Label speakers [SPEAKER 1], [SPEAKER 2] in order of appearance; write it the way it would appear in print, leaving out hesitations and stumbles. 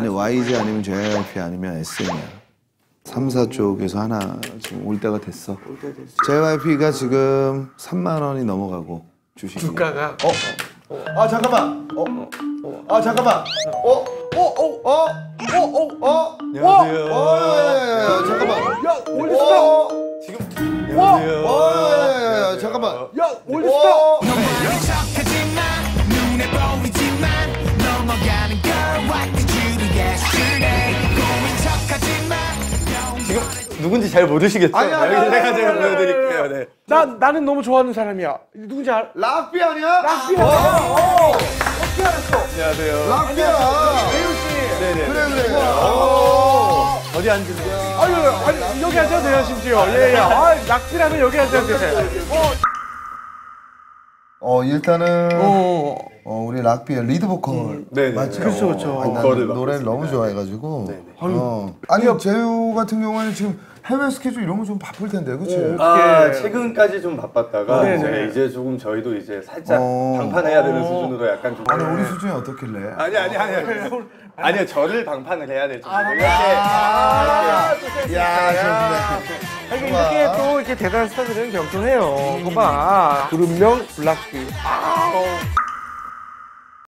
[SPEAKER 1] 아니 YG 아니면 JYP 아니면 SM이야. 3, 4 쪽에서 하나 지금 올 때가 됐어. JYP가 지금 3만 원이 넘어가고 주식이.
[SPEAKER 2] 주가가.
[SPEAKER 1] 아 잠깐만. 아 잠깐만. 안녕하세요. 잠깐만.
[SPEAKER 2] 야 올리스타.
[SPEAKER 1] 지금. 안녕하세요. 잠깐만.
[SPEAKER 2] 야 올리스타.
[SPEAKER 3] 지금 누군지 잘 모르시겠죠? 여기 제가 보여드릴게요. 네.
[SPEAKER 2] 나는 너무 좋아하는 사람이야. 누군지 알아?
[SPEAKER 1] 락비 아니야?
[SPEAKER 2] 락비야. 어떻게 알았어?
[SPEAKER 3] 안녕하세요.
[SPEAKER 1] 락비야.
[SPEAKER 2] 배우 씨.
[SPEAKER 3] 네네.
[SPEAKER 1] 그래.
[SPEAKER 3] 어디 앉으세요?
[SPEAKER 2] 아니 여기 앉아도 돼요 심지어. 예예. 아 락비라면 여기 앉아도 되세요.
[SPEAKER 1] 일단은 우리 락비의 리드 보컬 맞죠?
[SPEAKER 2] 그렇죠.
[SPEAKER 1] 아니, 나는 노래를 너무 좋아해가지고. 아니 재우 같은 경우에는 지금 해외 스케줄 이런 거 좀 바쁠 텐데, 그렇지?
[SPEAKER 3] 최근까지 좀 바빴다가 이제 조금 저희도 이제 살짝 방판해야 되는 수준으로 약간 좀.
[SPEAKER 1] 아니 우리 수준이 어떻길래?
[SPEAKER 3] 아니요, 저를 방판을 해야 될 정도.
[SPEAKER 1] 야,
[SPEAKER 2] 이렇게 또 이렇게 대단한 스타들은 겸손해요. 그거 봐. 그룹명 블락비.